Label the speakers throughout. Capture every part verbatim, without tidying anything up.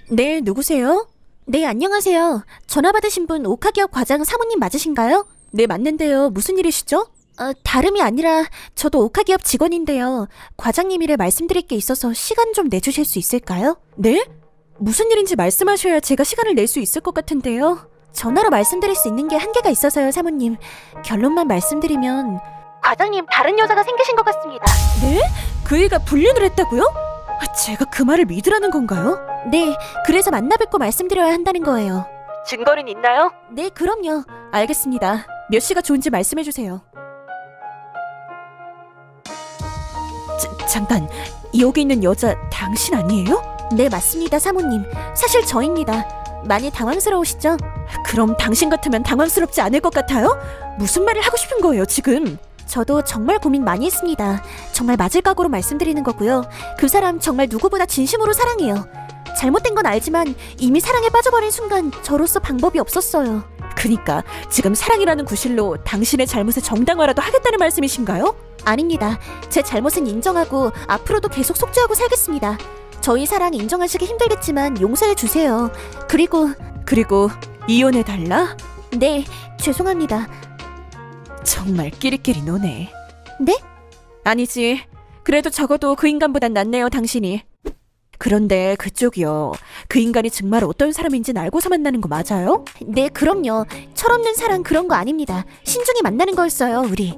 Speaker 1: 네, 누구세요? 네, 안녕하세요. 전화 받으신 분 오카기업 과장 사모님 맞으신가요? 네, 맞는데요. 무슨 일이시죠? 어, 다름이 아니라 저도 오카기업 직원인데요. 과장님 일에 말씀드릴 게 있어서 시간 좀 내주실 수 있을까요? 네? 무슨 일인지 말씀하셔야 제가 시간을 낼 수 있을 것 같은데요. 전화로 말씀드릴 수 있는 게 한계가 있어서요, 사모님. 결론만 말씀드리면 과장님 다른 여자가 생기신 것 같습니다. 네? 그 애가 불륜을 했다고요? 제가 그 말을 믿으라는 건가요? 네, 그래서 만나 뵙고 말씀드려야 한다는 거예요. 증거는 있나요? 네, 그럼요. 알겠습니다. 몇 시가 좋은지 말씀해주세요. 자, 잠깐, 여기 있는 여자 당신 아니에요? 네, 맞습니다, 사모님. 사실 저입니다. 많이 당황스러우시죠? 그럼 당신 같으면 당황스럽지 않을 것 같아요? 무슨 말을 하고 싶은 거예요, 지금? 저도 정말 고민 많이 했습니다. 정말 맞을 각오로 말씀드리는 거고요. 그 사람 정말 누구보다 진심으로 사랑해요. 잘못된 건 알지만 이미 사랑에 빠져버린 순간 저로서 방법이 없었어요. 그니까 지금 사랑이라는 구실로 당신의 잘못의 정당화라도 하겠다는 말씀이신가요? 아닙니다. 제 잘못은 인정하고 앞으로도 계속 속죄하고 살겠습니다. 저희 사랑 인정하시기 힘들겠지만 용서해 주세요. 그리고 그리고 이혼해달라? 네, 죄송합니다. 정말 끼리끼리 노네. 네? 아니지. 그래도 적어도 그 인간보단 낫네요, 당신이. 그런데 그쪽이요. 그 인간이 정말 어떤 사람인지는 알고서 만나는 거 맞아요? 네, 그럼요. 철없는 사랑 그런 거 아닙니다. 신중히 만나는 거였어요, 우리.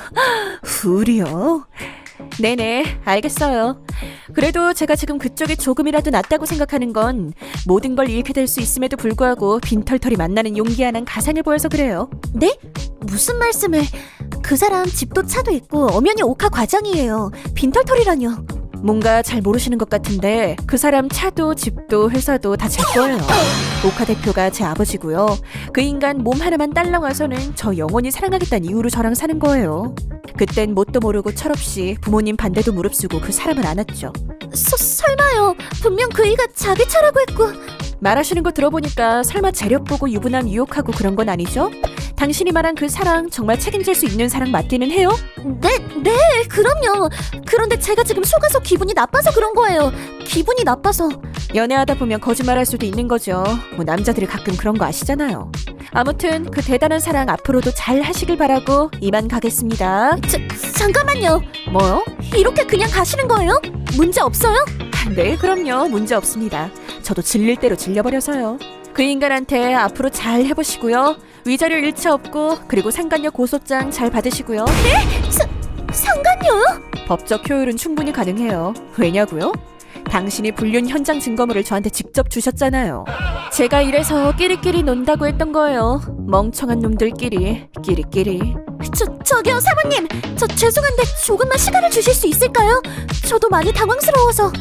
Speaker 1: 우리요? 네네, 알겠어요. 그래도 제가 지금 그쪽이 조금이라도 낫다고 생각하는 건 모든 걸 잃게 될 수 있음에도 불구하고 빈털털이 만나는 용기 하나는 가상해 보여서 그래요. 네? 무슨 말씀을... 그 사람 집도 차도 있고 엄연히 오카 과장이에요. 빈털털이라뇨. 뭔가 잘 모르시는 것 같은데 그 사람 차도 집도 회사도 다 제 거예요. 오카 대표가 제 아버지고요. 그 인간 몸 하나만 딸랑 와서는 저 영원히 사랑하겠다는 이유로 저랑 사는 거예요. 그땐 뭣도 모르고 철없이 부모님 반대도 무릅쓰고 그 사람을 안았죠. 서, 설마요. 분명 그 이가 자기 차라고 했고... 말하시는 거 들어보니까 설마 재력 보고 유부남 유혹하고 그런 건 아니죠? 당신이 말한 그 사랑 정말 책임질 수 있는 사랑 맞기는 해요? 네, 네, 그럼요. 그런데 제가 지금 속아서 기분이 나빠서 그런 거예요. 기분이 나빠서. 연애하다 보면 거짓말할 수도 있는 거죠. 뭐 남자들이 가끔 그런 거 아시잖아요. 아무튼 그 대단한 사랑 앞으로도 잘 하시길 바라고 이만 가겠습니다. 자, 잠깐만요. 뭐요? 이렇게 그냥 가시는 거예요? 문제 없어요? 네, 그럼요. 문제 없습니다. 저도 질릴 대로 질려버려서요. 그 인간한테 앞으로 잘 해보시고요. 위자료 일차 없고 그리고 상간녀 고소장 잘 받으시고요. 네? 사, 상간녀요? 법적 효율은 충분히 가능해요. 왜냐고요? 당신이 불륜 현장 증거물을 저한테 직접 주셨잖아요. 제가 이래서 끼리끼리 논다고 했던 거예요. 멍청한 놈들끼리 끼리끼리. 저, 저기요 사모님. 저 죄송한데 조금만 시간을 주실 수 있을까요? 저도 많이 당황스러워서.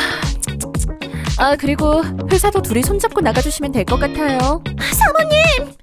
Speaker 1: 아, 그리고 회사도 둘이 손잡고 나가주시면 될 것 같아요. 사모님!